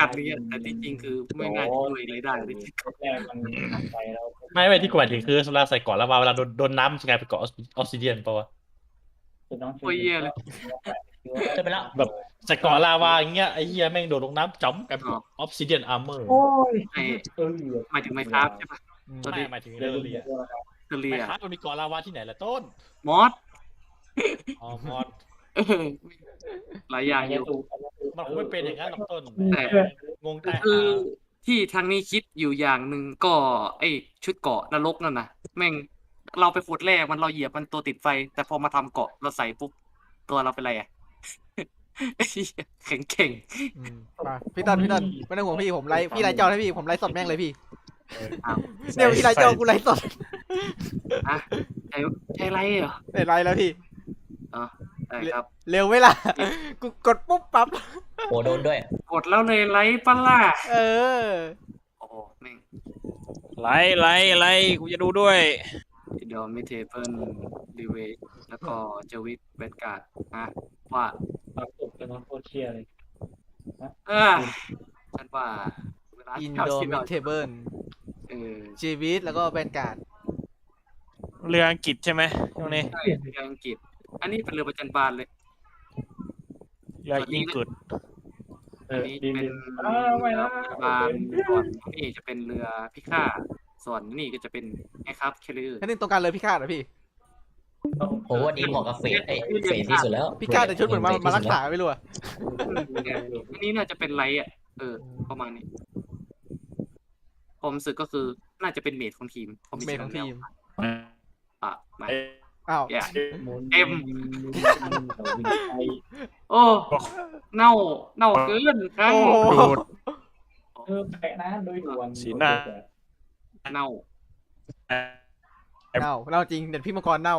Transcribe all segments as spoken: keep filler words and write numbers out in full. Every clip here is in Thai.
กันเนี่ยแต่ที่จริงคือไม่น่าจะช่วยอะไรได้เลยแรกมันหันไปแล้วไม่ไม่ที่กูหมายถึงคือเวลาใส่เกาะแล้วเวลาโดนโดนน้ำมันจะกลายเป็นเกาะออสซิเดียนปะวะจะต้องโอ้ยเหี้ยเลยจะไปแล้วแบบใส่เกาะลาวาอย่างเงี้ยไอ้เหี้ยแม่งโดดลงน้ำจ้ำกลายเป็นออฟซิเดียนอาร์เมอร์โอ้ยไอ้เออหมายถึงไมครับใช่ปะไม่หมายถึงเรื่เรื่ออง งเรีเรียยนเทอเรีไม่ยครับมันมีเกาะลาวาที่ไหนล่ะต้นมอสอ๋อมอสเออหลายอย่างอยู่มันคงไม่เป็นอย่างนั้นหรอกต้นแต่งงใต้คือหาที่ทางนี้คิดอยู่อย่างหนึ่งก็ไอชุดเกาะนรกนั่นนะแม่งเราไปขุดแร่มันเราเหยียบมันตัวติดไฟ แต่พอมาทำเกาะเราใส่ปุ๊บตัวเราเป็นไรอ่ะ แข็งเข่งอืมมาพี่ต้นพี่ต้นไม่ต้องห่วงพี่ผมไลฟ์พี่ไลฟ์จอให้พี่ผมไลฟ์สดแม่งเลยพี่อ้าวเนี่ยพี่ไลฟ์จอกูไลฟ์สดอะใช่ใช่ไรเหรอได้ไลฟ์แล้วพี่อ๋อได้ครับเร็วไหมล่ะกูกดปุ๊บปั๊บโอ้โดนด้วยกดแล้วเลยไลฟ์ปะล่ะเออโอ้โหแม่งไลค์ไลค์ไลค์กูจะดูด้วยเดี๋ยวมิเทเปิลรีเวทแล้วก็เจวิตเวนการ์ดนะว่าปรับสุดจะนอนโคตรเชียร์เลยเออฉันว่าเวลาอินเก้าโดสิบมิเทเบิลเออชีวิตแล้วก็แบนการ์ดเรืออังกฤษใช่ไหมช่วงนี้ใช่เรืออังกฤษ อันนี้เป็นเรือประจันบานเลยเรือยิงกึดเออันอนี้ดีเป็นดีอ้าวไม่เรือนะประจันบานส่วนนี่จะเป็นเรือพิฆาตส่วนนี่ก็จะเป็นไงครับเคลือแค่นี้ตรงการเลยพี่คาดเหรอพี่โอ้วันนี้เหมาะกับเฟสไอ้เฟสที่สุดแล้วพี่คาดแต่ชุดเหมือนมามารักษาไม่รู้อะอันนี้น่าจะเป็นไรอ่ะ เออ ประมาณนี้ผมรู้สึกก็คือน่าจะเป็นเมดของทีมผมเมนของทีมอ่ะมาอ้าวอย่าเอ็มโอ้ เน่า เน่าเกินครับโอ้โหดูดเออแปะนะโดยด่วนสีหน้าเน่าเน่าเน่าจริงเด็ดพี่มังกรเน่า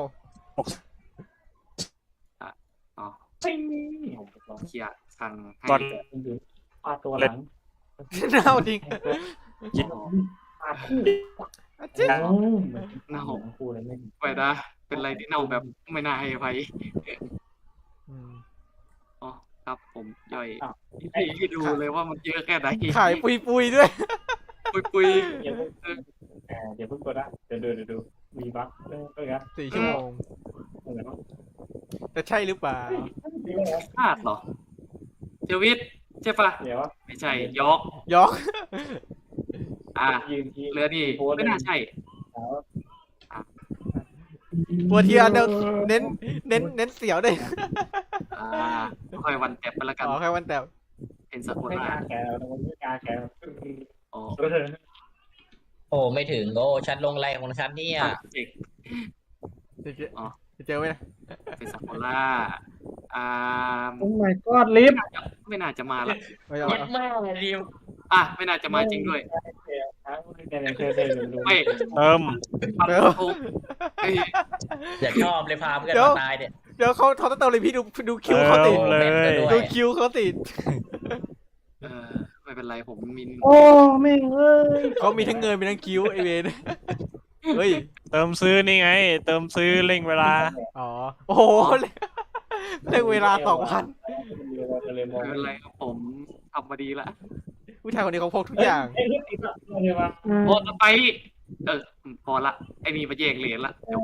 อ๋อปิ้งเคลียร์ทางให้ก่อนปาตัวหลังเน่าจริงอ๋อปาคู่จริงเน่าคู่เลยไม่ไปนะเป็นอะไรที่เน่าแบบไม่น่าให้อภัยอืมอ๋อ ครับผมย่อยให้ให้ดูเลยว่ามันเยอะแค่ไหนขายปุยปุยๆด้วยปุยปุยเดี๋ยวเดี๋ยวเพิ่งกดนะเดี๋ยวดูเดี๋ยวดูมีบั๊กเออเออครับสี่ชั่วโมงเออจะใช่หรือเปล่าดีไหมครับพลาดเหรอเจวิตใช่ปะเดี๋ยวว่าไม่ใช่ยอกยอกอ่ายืนทีเรือนี่ไม่น่าใช่ตัวเทียนเดี๋ยวเน้นเน้นเน้นเสียวด้วยอ่าค่อยวันแตบไปละกันอ๋อแค่วันแต่เป็นสกุลไม่ลากล้าแกแล้วมันไม่กล้าแกอ๋อเออโอ้ไม่ถึงโอ้ฉันลงไรของฉันเนี่ยเจ็กจะเจออ๋อจะเจอไหมนะเป็นสกุลล่าอ่าโอ้ my god ลิฟต์ไม่น่าจะมาละไม่เอาเย็ดมากเลยดิมอ่ะไม่น่าจะมาจริงด้วยเธอเธอดูไม่เติมปักโทเฮ้ยอย่าชอบเลยพาเพื่อนมาตายเนี่ยเดี๋ยวเขาเขาต้องเติมเลยพี่ดูดูคิวเติเขาติดมเลยดูคิวเขาติดเออไม่เป็นไรผมมินโอ้แม่งเอ้ยเขามีทั้งเงินมีทั้งคิวไอเวนเฮ้ยเติมซื้อนี่ไง เติมซื้อเร่งเวลาอ๋อ โอ้โหเรื่องเวลาสองพันไม่เป็นไรครับผมทำมาดีละผู้ชายคนนี้เขาพกทุกอย่างเอ้ยลิฟต์อีกแล้วเดี๋ยวมาพอจะไป เออพอละไอ้นี่มาแยกเหรียญละจบ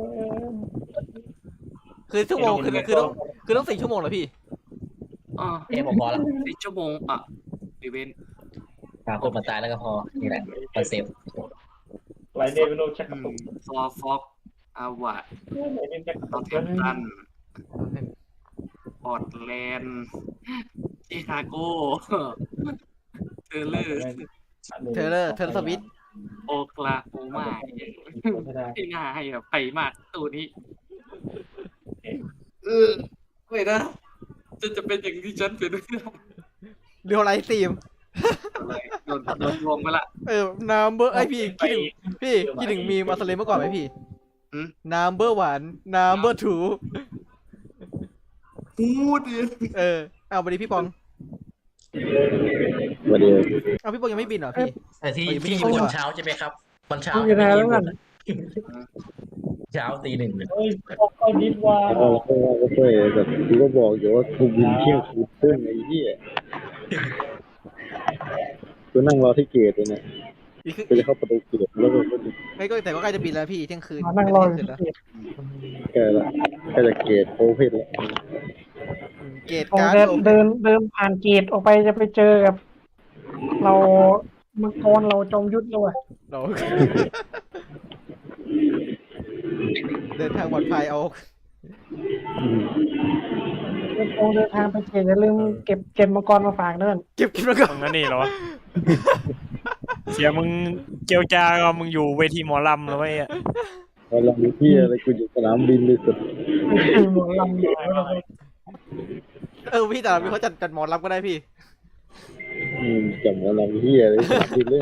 คือชั่วโมงคือคือต้องคือต้องสี่ชั่วโมงเหรอพี่อ๋อเอ้ผมพอละสี่ชั่วโมงอ่ะอีเวนต์พาคนมาตายแล้วก็พอนี่แหละคอนเซปต์ไหลเดวิโลชักกระตุกซอฟอกอาวาดไหลเดนชักกระนอตุตกแทมตันพอร์ตแลนด์ชิคาโกเทเลอร์เทเลอร์เทเลอร์สวิตโอคลาโฮมาที่น่าให้แบบไปมากตัวนี้ เออไม่นะจะจะเป็นอย่างที่ฉันเป็นไม่ได้เรียวไลท์ทีมอะไรโดนโดนลวงไปละเออนัมเบอร์ไอพี่คิดถึงพี่คิดถึงมีมาสเลมเมื่อก่อนไหมพี่หืมนัมเบอร์วันนัมเบอร์ทูพูดดิเออเอาไปดิพี่ปองวันเดียวเอาพี่ปองยังไม่บินเหรอพี่แต่ที่เฮ้ยไม่ที่ได้ญี่ปุ่นว่ะเช้าใช่ไหมครับวันเช้าอยู่แล้วกันเช้าตีหนึ่งเอ้ยเอาดิฟว่าแล้วก็ก็ช่วยแบบกูก็บอกอยู่ว่ากูบินเที่ยงคืนครึ่งไอ้เหี้ยกูนั่งรอที่เกตเลยเนี่ยอีกคือกูจะเข้าประตูเกตแล้วก็ไอ้ยก็แต่ก็ใกล้จะปิดแล้วพี่เที่ยงคืนมานั่งรออเที่ยยู่งคืนที่แล้วเกตแกละก็จะเกตโอเพนแล้วอืมเกตผมการ์ดเดินโอเดินเดินผ่านเกตออกไปจะไปเจอกับ เรามังกรเราจอมยุทธแล้วอะเรา เดินทางปลอดภัยเอาอืมเดินตรงเดินทางไปเกตอย่าลืมเก็บเก็บมังกรมาฝากเด้อเก็บกินมาก่อตนรงนั้นนี่เหรอวะ เสียมึงเจียวจาก็มึงอยู่เวทีหมอลำแล้วไอ้อะพอเราอยู่ที่อะไรกูอยู่สนามบินเลยสุดหมดลำอยู่แล้วเราเออพี่แต่เราเขาจัดจัดหมอรับก็ได้พี่อืมจำว่าเราที่อะไรสนามบินเลย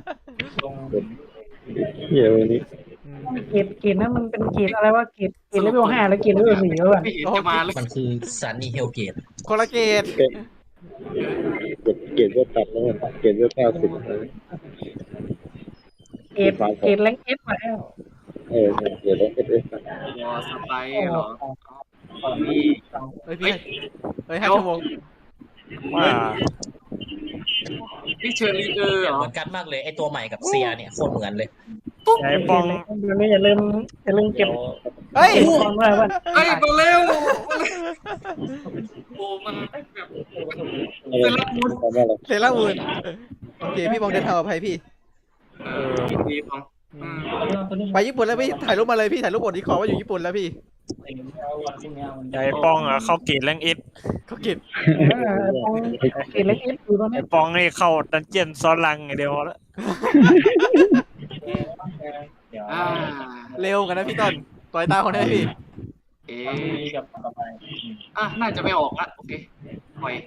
เฮียวันนี้อืมเกตเกตนั้นมันเป็นเกตอะไรวะเกตเกตเลเวลห้าแล้วเกตเลเวลสี่แล้วอะไม่เห็นจะมาเลยมันคือซันนี่เฮลเกตคนละเกตเกตเกตเกตก็ตัดแล้วเกตก็เก้าสิบเกตเกตแรงเอฟมาแล้วเออเกตแล้วเอสเอสวอสไปเหรอนี่เฮ้ยพี่เฮ้ยห้าชั่วโมงว่านี่เชอรี่เออเหรอเหมือนกันมากเลยไอตัวใหม่กับเซียเนี่ยโคตรเหมือนเลยไอ้ปองเดี๋ยวนี้อย่าลืมอย่าลืมเก็บเฮ้ยมังกรไว้ว่าเฮ้ยมาเร็วโอ้มันแบบเซรามูนทำอะไรเซรามูนโอเคพี่บองเดินทางปลอดภัยพี่เออดีพองอืมไปญี่ปุ่นแล้วพี่ถ่ายรูปมาเลยพี่ถ่ายรูปบนที่ขอว่าอยู่ญี่ปุ่นแล้วพี่ไอ้ปองอ่ะเข้าเกตแรงเอสเขาเก็บเออตรงเกตแรงเอฟอยู่ตรงนี้ไอ้ปองนี่เข้าดันเจียนซ้อนลังไงเดียวแล้วอ่าเร็วกันนะพี่ต้นต่อยตาคนได้พี่เอ๊ะอ่ะน่าจะไม่ออกละโอเคปล่อย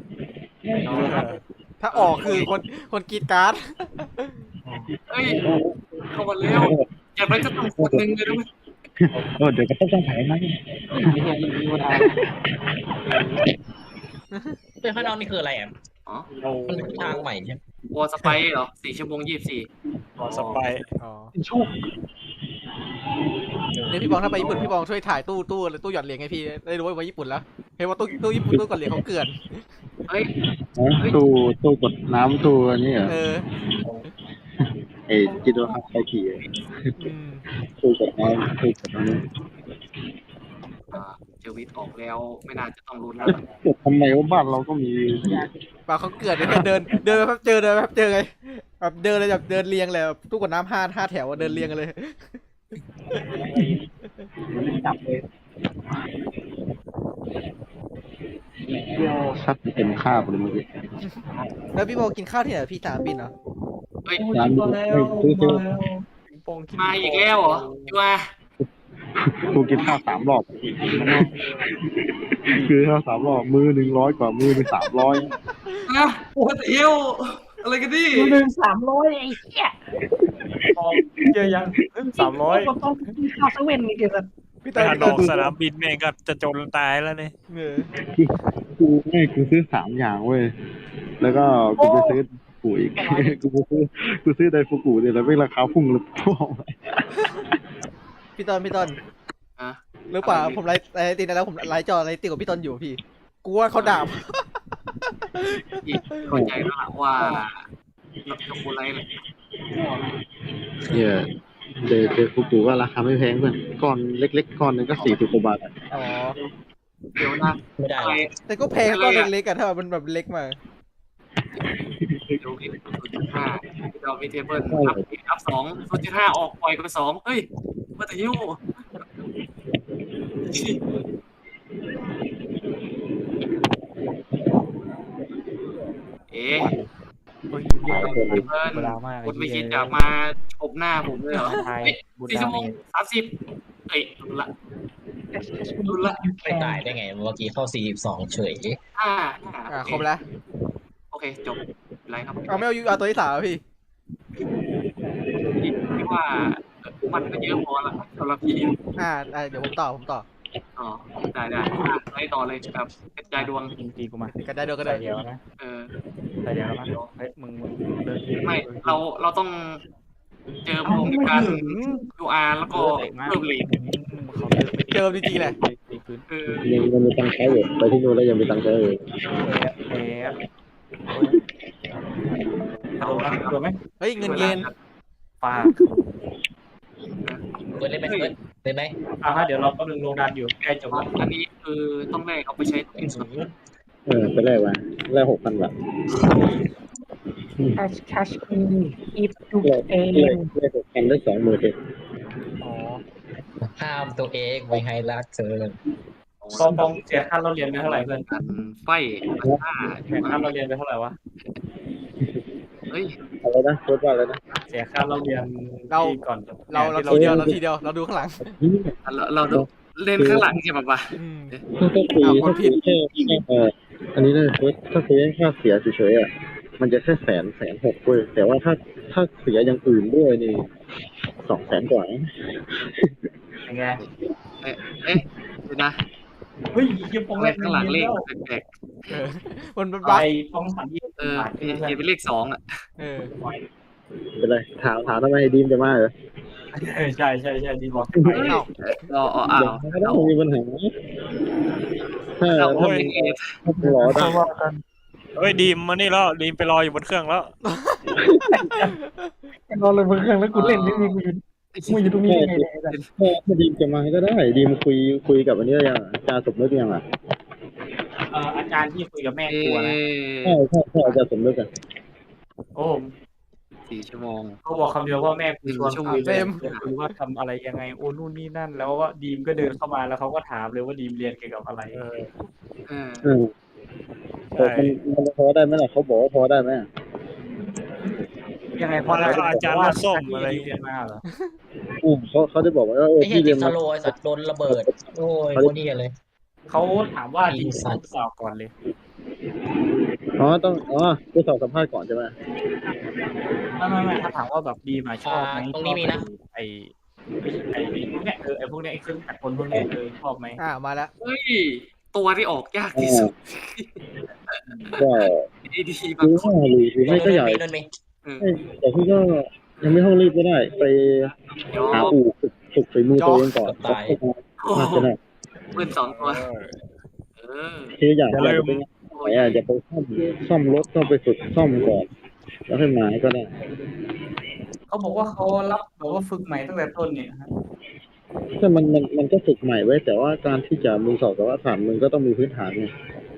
ถ้าออกคือคนคนกรีดการ์ดเฮ้ยเข้ามาเร็วอย่างไรก็ต้องคนหนึ่งเลยนะมั้ยโอ้เดี๋ยวก็ต้องถ่ายไหมเป็นข้างนอกนี่คืออะไรอ่ะอ๋อมันเป็นทางใหม่ใช่ไหมวอสไปเหรอสี่ชั่วโมงยี่สิบสี่สไปร์อ๋อชูเนี่ยพี่บองถ้าไปญี่ปุ่นพี่บองช่วยถ่ายตู้ตู้ตู้หยอดเหรียญให้พี่ได้รู้ว่าไปญี่ปุ่นแล้วเห็นว่าตู้ตู้ญี่ปุ่นตู้กดเหรียญเขาเกลื่อนเฮ้ยตู้ตู้กดน้ำตู้อันนี้เหรอเออไอ้จิโดฮับไอทีอืมตู้กดน้ำตู้กดน้ำอ่าเจวิตออกแล้วไม่น่าจะต้องรุนแล้วทำไมว่าบ้านเราก็มีปลาเขาเกลื่อนเลยเนี่ยเดินเดินแป๊บเจอเดินแป๊บเจอไงแบบเดินเลยแบบเดินเรียงเลยแบบตู้กดน้ำห้าห้าแถวอะเดินเรียงกันเลยซัดเต็มคาบเลยเมื่อกี้แล้วพี่บองกินข้าวที่ไหนพี่สนามบินเหรอเฮ้ยร้านนี้ซื้อซื้อมาอีกแล้วเหรอพี่ว่ากูกินข้าวสามรอบคือข้าวสามรอบมือหนึ่งร้อยกว่ามือหนึ่งสามร้อยนะโอ้เที่ยวอะไรกันดิหนึ่งสามร้อยไอ้เหี้ยเยอะยังสามร้อยก็ต้องกินข้าวเซเว่นนี่เกิดพี่ไปตาหาพี่ดตาอกสนามบินแม่งก็จะจนตายแล้วเนี่ยเออกูไม่กูซื้อสามอย่างเว้ยแล้วก็กูไปซื้อปุ๋ยกูไปซื้อกูซื้อไดฟูกุเนี่ยแล้วไม่ราคาพุ่งเลยพ่อพี่ต้นพี่ต้นอ่ะหรือเปล่าผมไลฟ์ไลฟ์ติดแล้วผมไลฟ์จอไลฟ์ติดกับพี่ต้นอยู่พี่กูว่าเขาด่าอีกเข้าใจแล้วล่ะว่าเราจะคูไรเลยเนี่ยเดเดฟูกุก็ราคาไม่แพงเพื่อนก้อนเล็กๆก้อนหนึงก็สี่สิบกว่าบาทอ๋อเดี๋ยวนะไม่ได้อะไรแต่ก็แพงก็เล็กๆอะถ้ามันแบบเล็กมาดูที่ศูนย์จุดห้าเรามีเทเบิลอัพอัพสองศูนย์จุดห้าออกปล่อยไปสองเฮ้ยมาแต่ยิ้วเอ๊ะโอ้ยเพื่อนคุณไม่คิดจะมาชมหน้าผมเลยเหรอสี่ชั่วโมงสามสิบเอ้ยดูละดูละไม่ตายได้ไงเมื่อกี้เข้าสี่สิบสองเฉยห้าอ่ะครบแล้วโอเคจบไรครับเอาไม่เอายูเอาตัวที่สามอะพี่พี่ว่ามันก็เยอะพอละสำหรับพี่อ่าอ่าเดี๋ยวผมต่อผมต่ออ๋อได้ได้อ่ะไล่ต่อเลยครับกระจายดวงจริงๆกูมากันได้เดียวก็ได้เดียวนะเออใส่เดียวแล้วนะเฮ้ยมึงมึงเดินไม่เราเราต้องเจอพวกในการดูอาร์แล้วก็เพิ่มเลทเขาเดินไปเจอจริงๆแหละตีพื้นเออยังยังมีตังค์ใช้อยู่ไปที่นู่นแล้วยังมีตังค์ใช้อยู่เอ๊ะพเอาละตัวไหมเฮ้ยเงินเย็นปลาเปิดเล่นไหมเปิดเล่นไหมอ่ะฮะเดี๋ยวเราก็ลงดันอยู่ใกล้จบแล้วอันนี้คือต้องแลกเอาไปใช้ที่สุดเออไปแลกมาแลกหกพันบาทแคชแคชอีอีฟดูแลกเองแลกแลกหกพันได้สองหมื่นเองอ๋อห้ามตัวเองไว้ให้รักเธอปองปองเสียค่าเราเรียนไปเท่าไหร่เพื่อนกันไฟห้าเสียค่าเราเรียนไปเท่าไหร่วะเฮ้ยอะไรนะโคตรว่าอะไรนะเสียค่าเราเรียนที่ก่อนจบเราเราที่ทีเดียวเราทีเดียวเราดูข้างหลังเราเราดูเล่นข้างหลังใช่ปะปะอืมถ้าถ้าคุยอ้าวคนถ้าผิคุดยแค่แค่เอออันนี้เลยถ้าคุยแค่ค่าเสียเฉยๆอ่ะมันจะแค่แสนแสนหกเว้ยแต่ว่าถ้าถ้าเสียอย่างอื่นด้วยนี่สองแสนกว่ายังไงเอ๊ะเอ๊ะเดี๋ยวนะเฮ้ยเฮียปองเล่นข้างหลังเลขแล้วแปลกเออมันเป็นไปบั๊กปองสันยี่ๆเออเขียนเป็นเลขสองอ่ะเออเป็นไรถามถามทำไมดีมจะมาเหรอใช่ใช่ใช่ดีบอกเฮ้ยเราเอาเอาไม่ต้องมีปัญหาถ้าเราถ้าเอามีเป็นเอฟถ้ารอได้เฮ้ยดีมมานี่แล้วดีมไปรออยู่บนเครื่องแล้วรอเลยบนเครื่องแล้วกูเล่นนี่มีกูอยู่กูอยู่ตรงนี้ยังไงเนี่ยถ้าถ้าดีมจะมาก็ได้ดีมคุยคุยกับอันนี้ยังอาจารย์สมนึกยังอ่ะเอ่ออาจารย์ที่คุยกับแม่เอครัวนะใช่ใช่ใช่อาจารย์สมนึกอ่ะโอ้สี่ชั่วโมงเขาบอกคำเดียวว่าแม่กูชวนหนึ่งชั่วโมงคุยเลยคุยว่าทำอะไรยังไงโอ้นู่นนี่นั่น แล้วว่าดีมก็เดินเข้ามาแล้วเขาก็ถามเลยว่าดีมเรียนเกี่ยวกับอะไรเออเอออืมแต่มันมันพอได้ไหมล่ะเขาบอกว่าพอได้ไหมยังไงพอแล้วก็อาจารย์มาส้มอะไรเรียนมาเหรออืมเขาเขาได้บอกว่าเออไอ้เหี้ยพี่เรีติยดนสมาโลว์ไอ้สัตว์โดนระเบิด โอ้ยโคตรเหี้ยเลยเขาถามว่าดีมชอบสาวก่อนเลยอ๋อต้องอ๋อไปสอบสัมภาษณ์ก่อนใช่ไหมไม่ไม่ไม่ถ้าถามว่าแบบดีมาชอบไหมอ่าตรงนี้มีนะไอไอไอพวกเนี้ยเออไอพวกเนี้ยไอเครื่องจักรกลพวกเนี้ยเออชอบไหมอ่ามาแล้วเฮ้ยตัวที่ออกยากที่สุดก็ดีดีคืบางอคนว่าหรือหรือไม่ก็ใหญ่โดนมีแต่พี่ก็ยังไม่ต้องรีบก็ได้ ไปเดี๋ยวหาอู่ฝึกฝึกฝีมือตัวเองก่อนตายโอ้น่าโหจะได้ปืนสองตัวเออคืออยากอย่าจะลืมไปไหนอ่ะจะไปซ่อมซ่อมรถต้องไปฝึกซ่อมก่อน แล้วค่อยมาก็ได้เขาบอกว่าเขารับแบบว่าฝึกใหม่ตั้งแต่ต้นเนี่ยฮะถ้ามันมันมันก็ฝึกใหม่ไว้ แต่ว่าการที่จะมึงสอบแต่ว่าฐานมึงก็ต้องมีพื้นฐานไง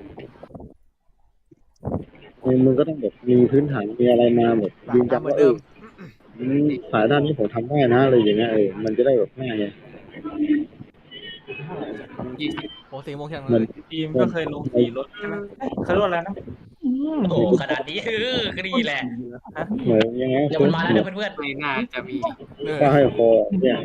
มึงมึงก็ต้องแบบมีพื้นฐานมีอะไรมาแบบยืนยันเหมือว่าน เอเดิอมอืมสายด้านนี้ผมทำได้นะอะไรอย่างเงี้ยเออมันจะได้แบบง่ายไงยี่สิบโอ้สี่โมงเที่ยงมัเลนยทีมก็เคยลงขี่รถใช่ไหมเอ้ยเขาเรียกว่าอะไรนะอืมโอ้โหขนาดนี้เออก็ดีแหละฮะเหมือนยังไงเดี๋ยวมันมาแล้วเดี๋ยวเพื่อนไม่น่าจะมีเออป้าให้คอเนี่ย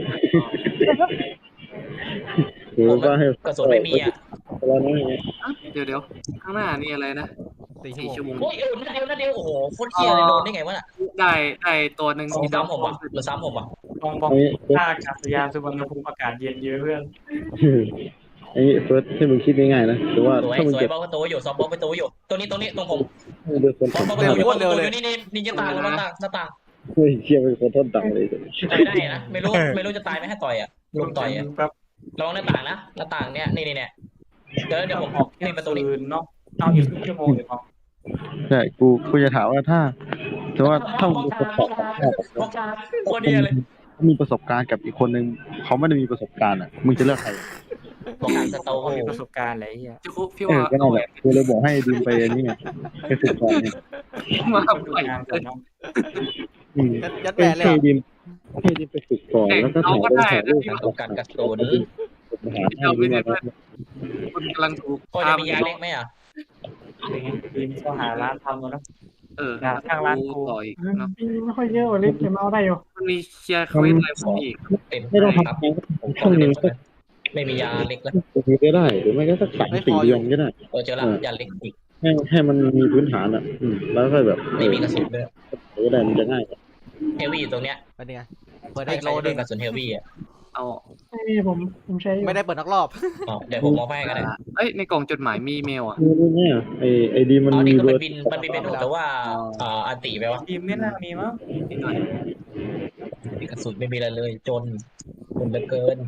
คือป้าให้ๆกระสุนไม่มีอ่ะแล้วนะอย่างเงี้ยเดี๋ยวเดี๋ยวข้างหน้านี่อะไรนะสี่สี่ชั่ชั่ววโมงโมงโอ้ยเออนัดเดียวนัดเดียวโอ้โหโคตรเหี้ยเลยโดนได้ไงวะน่ะได้ได้ตัวหนึ่งสีซ้ำผมอ่ะหรือซ้ำผมอ่ะปองปองอันนี้ท่าอากาศยานสุวรรณภูมิอากาศเย็นเยอะเพื่อนอันนี้เฟิร์สให้มึงคิดง่ายๆนะแต่ว่าสวยถ้ามึงสวยเก็บบอกประตูอยู่ซ้อมบอกประตูอยู่ตัวนี้ตัวนี้ตรงผมเดือดคนซ้อมบอกประตูอยู่ประตูอยู่นี่นี่นี่จะตายแล้วหน้าต่างหน้าต่างเฮ้ยเชี่ยเป็นคนต้นตังเลยต่อยได้นะไม่รู้ไม่รู้จะตายไหมให้ต่อยอ่ะลุมต่อยอ่ะแบบระวังหน้าต่างนะหน้าต่างเนี้ยนี่นี่เนี่ยเดี๋ยวเดี๋ยวผมออกนี่ประตูนี้คืนเนาะเอาอีกครึ่งชั่วโมงเลยปองใช่กูกูจะถามว่าถ้าแต่ว่าถ้ามึงมีประสบบอกช้าโคตรดีเลยมีประสบการณ์กับอีกคนนึงเขาไม่ได้มีประสบการณ์อ่ะมึงจะเลือกใครบอกการสโตเขามีประสบการณ์อะไรเงี้ยจะคุพี่เอว่าอก็นั่นแหละกูเลยบอกให้ดิมไปนี่ไงไปฝึกก่อนเนี่ยมาประสบปล่อยการณ์ก่อนเนาะอืมยัดยัดแหวนเลยให้เหรอดิมให้ดิมไปฝึกก่อนแล้วก็ถ่ายรูปถ่ายรูปประสบการณ์กระสุนหาให้ดิมมาคุณกำลังถูกพอจะมียาเล็กไหมอ่ะเป็นไงทีมก็หาร้านทำแล้วนะเออทางร้านกูต่อยเนาะไม่ค่อยเยอะวันนี้เก็บเอาได้อยู่มันมีเชียร์เควสอะไรพวกนี้อีกเต็มไม่ต้องครับทำงานผมขอช่วงเต็นึมงสักไม่มียาเล็กแล้วปีก็ได้หรือไม่ก็สักสามสี่เดือนก็ได้เออเจอละยาเล็กอีกให้ให้มันมีพื้นฐานอ่ะอืมแล้วก็แบบไม่มีกระสุนด้วยก็ได้มันจะง่ายเฮฟวี่ตรงเนี้ยเป็นยังไงเปิดใครอีกใคโลรนึเป็นงกระสุนเฮฟวี่อ่ะเอาไม่มีผมผมใช้อยู่ไม่ได้เปิดนักรอบอ๋อเดี๋ยวผมมองให้กันเลยเอ้ยในกล่องจดหมายมีเมลอ่ะนี่นี่เนี่ยไอไอดีมันอ๋อมีนี่ก็เบมัอน ร์บินมันบินเป็นหนูแต่ว่าอ่าอันติไปวะทีมไม่น่ามีมั้งนิดหน่อยกระสุนไม่มีอะไรเลยจนจนเหลือเกิน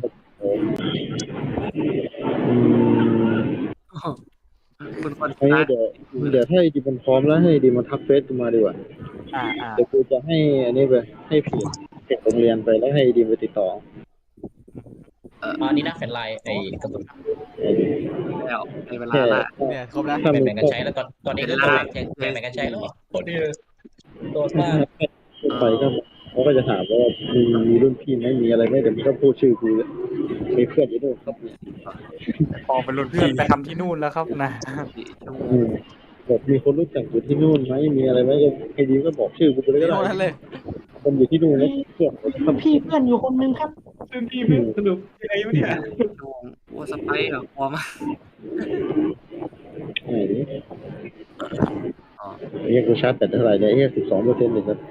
อืมคุณคนไอ้ตายเดี๋ยวเดี๋ยวถ้าไอดีมันพร้อมแล้วให้ดีมันทักเฟซกูมาดีกว่าอ่าอ่าเดี๋ยวกูจะให้อันนี้ไปให้เพจเพจโรงเรียนไปแล้วให้ดีมไปติดต่ออันนี้นะแฟนไลน์ไอ้กระสุนไอ้ดิแล้วในเวลาแค่ละถ้าเนี่ยครบแล้วถ้าแบ่มึงงแบ่งกันใช้แล้วตอนตอนนี้ก็แบ่งแบ่งแบ่งกันใช้แล้วโคตรดีโดนมากไปก็เขาก็จะถามว่ามีมีรุ่นพี่ไหมมีอะไรไหมเดี๋ยวมึงก็พูดชื่อกูมีเพื่อนอยู่ด้วยครับปองเป็นรุ่นเพื่อนไปทำที่นู่นแล้วครับนะสี่ชั่วโมอืงมบอกมีคนรู้จักอยู่ที่นู่นไหมมีอะไรไหมก็ไอ้ดีก็บอกชื่อกูไปเลยก็ที่ได้โน่นนั่นเลยคนอยู่ที่นู่นแล้วเพื่อนรุ่นพี่เพื่อนอยู่คนนึงครับรุ่นพี่เพื่อนสรุปยังไงวะเนี่ยชั่วโมงโอ้สไปร์เหรอพอมากไหนดิไอ้เหี้ยกูชาร์จแต่เท่าไหร่เนี่ยไอ้เหี้ยสิบสองเปอร์เซ็นต์เลยครับ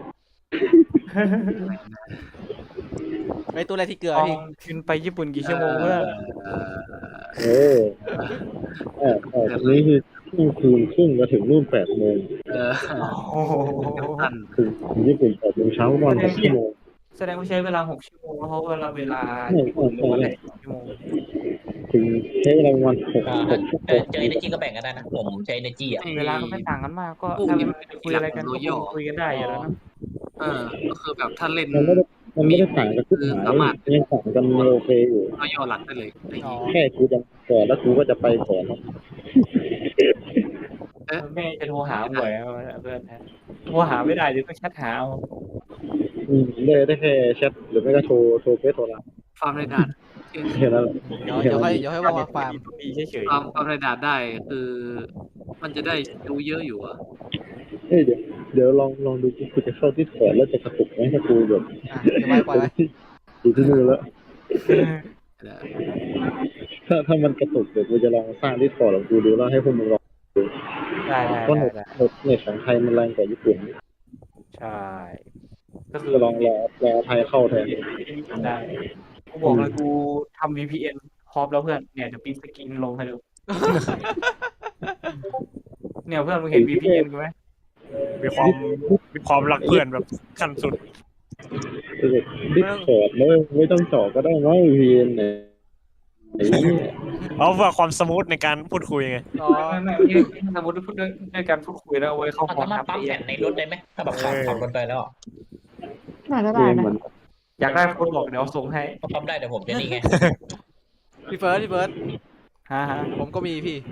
ไอตัวอะไรที่เกลือปองพี่ขึ้นไปญี่ปุ่นกี่ชั่วโมงเพื่อนเออเออเออทีนี้คือเที่ยงคืนครึ่งมาถึงนู่นแปดโมงเออโอ้โหท่านถึงถึงญี่ปุ่นแปดโมงเช้าวันหกชั่วโมงแสดงว่าใช้เวลาหกชั่วโมงเพราะเวลาเวลาไม่ญี่ปุ่นไม่เวไม่ลาชั่วโมงถึงใช้เวลาประมาณหกอ่าหกชั่วโมเออง เจอ energy ก็แบ่งกันได้นะผมใช้ energy อ่ะเวลาก็ไม่ต่างกันมากก็ถ้ามันจะคุยอะไรกันก็คงคุยกันได้อยู่แล้วนะเออก็คือแบบถ้าเล่นมันไม่ได้มันไม่ได้ต่างกันทุกหมายยังต่างกันโอเคอยู่ก็ย่อหลักได้เลยอะไรอย่างอ๋องี้แค่กูจะก่อนแล้วกูก็จะไปก่อนครับแม่จะโทรหาบ่อยเพื่อนโทรหาไม่ได้เดี๋ยวต้องแชทหาเอาอืมได้ได้แค่แชทหรือไม่ก็โทรโทรเฟซโทรไลน์ฟาร์มในด่านแค่นั้นแหละเดี๋ยวเดี๋ยวค่อยเดี๋ยวค่อยวางวางฟาร์มดีเฉยฟาร์มฟาร์มในด่านได้คือ มันจะได้ดูเยอะอยู่อะเฮ้ยเดี๋ยวเดี๋ยวลองลองดูกูจะเข้าที่ขอแล้วจะกระตุกไหมถ้ากูแบบอ่ะเดี๋ยวไว้ปล่อยไว้อยู่ที่นู่นแล้วเดี๋ยวถ้าถ้ามันกระตุกเดี๋ยวกูจะลองสร้างที่ขอของกูดูแล้วให้พวกมึงลองๆได้ได้เพราะเน็ตได้เน็ตเน็ตของไทยมันแรงกว่าญี่ปุ่นใช่ ก็คือจะลองรอรอไทยเข้าแทนได้กูบอกเลยกูทำ วี พี เอ็น พร้อมแล้วเพื่อนเนี่ยเดี๋ยวปิ้นสกินลงให้ดูเนี่ยเพื่อนมึงเห็น วี พี เอ็น กูไหมมีความมีความรักเพื่อนแบบขั้นสุดดิสคอร์ดแล้วไม่ต้องเจาะก็ได้มั้งพีเอ็นเนี่ยไอ้เนี่ยเอาเพื่อความสมูทในการพูดคุยไงอ๋อไม่ไม่ไม่สมมติพูดด้วยด้วยการพูดคุยแล้วเอาไว้เข้ามันพร้อมสามารถทำปั๊มเอแผ่งนในรถได้ไหมถ้าแบบขับขับรถไปแล้วน่าจะเกได้มนะมันอยากได้โค้ดบอกเดี๋ยวส่งให้ปั๊มได้แต่ผมจะนี่ไงพี่เฟิร์สพี่เฟิร์สฮ่าฮ่าผมก็มีพี่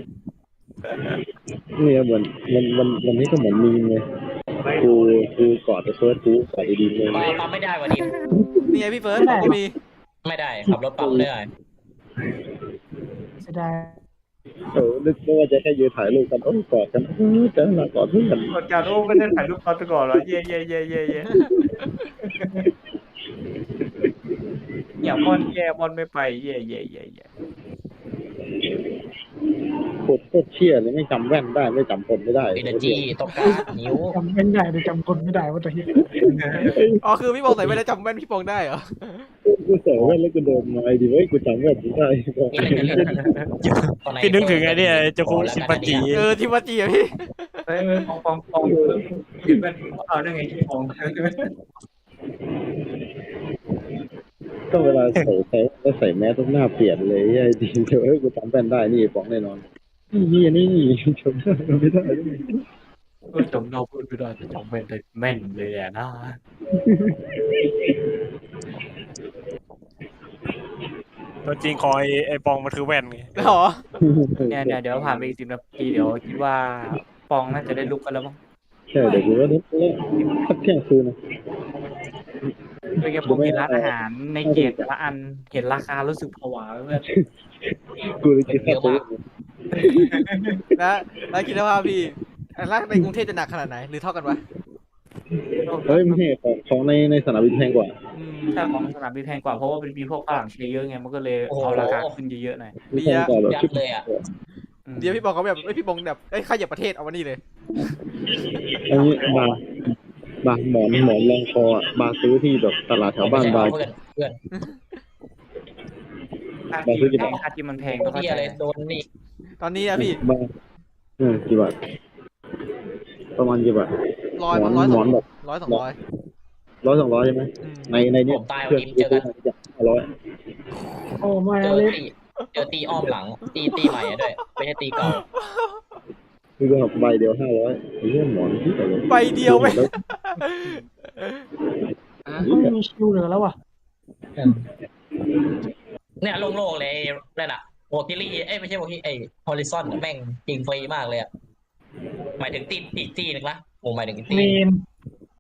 เนี่ยเหมือนมันมันวันนี้ก็เหมือนมีมเลยกูกูกอดไปเฟิร์สกูกอดไอ้ดีมเลยปั๊มปั๊มไม่ได้วันนี้นี่ไงพี่เฟิร์สผมก็มีไม่ได้ขับรถปั๊มไม่ได้เสียดายเออนึกว่าจะแค่ยืนถ่ายรูปกันโอ้กอดกันเออแต่ละกอดเพื่อนกดการโอ้ไม่ได้ถ่ายรูปตอนก่อนเหรอเย่เย่เย่เย่เย่อย่าบอลแย่บอลไม่ไปเย่เย่เย่เย่โคตรโคตรเชี่ยเลยไม่จำแว่นได้ไม่จำคนไม่ได้ energy ต้องการนิ้วจำไม่ได้เลยจำคนไม่ได้ว่าตัวที่อ๋อคือพี่ปองใส่ไม่ได้จำแม่นพี่ปองได้เหรอกูใส่แว่นแล้วกูเดินมาไอ้ดีเว้ยกูจำแว่นไม่ได้บอกนี่อะไรกันเล่นพี่นึกถึงไอ้เนี่ยเจ้าคุณชิมปันจีเออทิมวาจีอะพี่เฮ้ยปองปองปองเห็นเป็นเอาได้ไงที่ปองก็เวลาใส่ใส่แล้วใส่แมสต้องหน้าเปลี่ยนเลยไอ้ดีเดี๋ยวเอ้ยกูจำแว่นได้นี่บอกแน่นอนนี่นี่จำได้ไม่ได้ก็จำเราพูดไม่ได้แต่จำเป็นแต่แม่นเลยอะนะตัวจริงคอยไอ้ปองมันคือแว่นไงหรอเนี่ยเนี่ยเดี๋ยวผ่านไปอีกสิบนาทีเดี๋ยวคิดว่าปองน่าจะได้ลุกกันแล้วมั้งใช่เดี๋ยวกูว่าเนี่ยสักเที่ยงคืนนะเมื่อกี้ผมเห็นร้านอาหารในเกตแต่ละอันเห็นราคารู้สึกผวาเพื่อนกูเลยคิดแค่ซื้อแล้วแล้วคิดว่าพี่แล้วในกรุงเทพจะหนักขนาดไหนหรือเท่ากันวะเฮ้ยไม่ใช่ของของในในสนามบินแพงกว่าอืมถ้าของสนามบินแพงกว่าเพราะว่าเป็นมีพวกฝรั่งเชียร์เยอะไงมันก็เลยเอาราคาขึ้นเยอะๆหน่อยแพงกว่าแบบยัชิบบเลยอ่ะอืมเดี๋ยวพี่ปองเขาแบบเอ้ยพี่ปองแบบเอ้ยใครเหยียบประเทศเอามานี่เลยอันนี้บาร์บาร์หมอนหมอนรองคออ่ะบาร์ซื้อที่แบบตลาดแถวบ้านบาร์เพื่อนเพื่อนค่าที่แพงค่าที่มันแพงต้องเข้าที่ใจอะไรโดนนี่ตอนนี้นะพี่บาร์เออกี่บาทประมาณกี่บาทร้อยหมอนร้อยหสมออง นแบบร้อยสองร้อยร้อยสองร้อยใช่ไหมอืมในในเนี้ยเพื่อนซื้อมาจากห้าร้อยโอ้ไม่เจอเลยตีเจอตีอ้อมหลัง ตีตีใหม่อะด้วยไม่ใช่ตีเก่าคือแบบใบเดียวห้าร้อยไอ้เรื่องหมอนที่ไหนใบเดียวไหมแล้วมีชิวเหลือแล้วว่ะเนี่ยโล่งๆเลยนั่นอะโวคิลี่เอ้ยไม่ใช่โวคิลี่ไอ้ฮอริซอนแม่งยิงฟรีมากเลยอะหมายถึงตีตีตีนึงนะโอ้หมายถึงตีเมน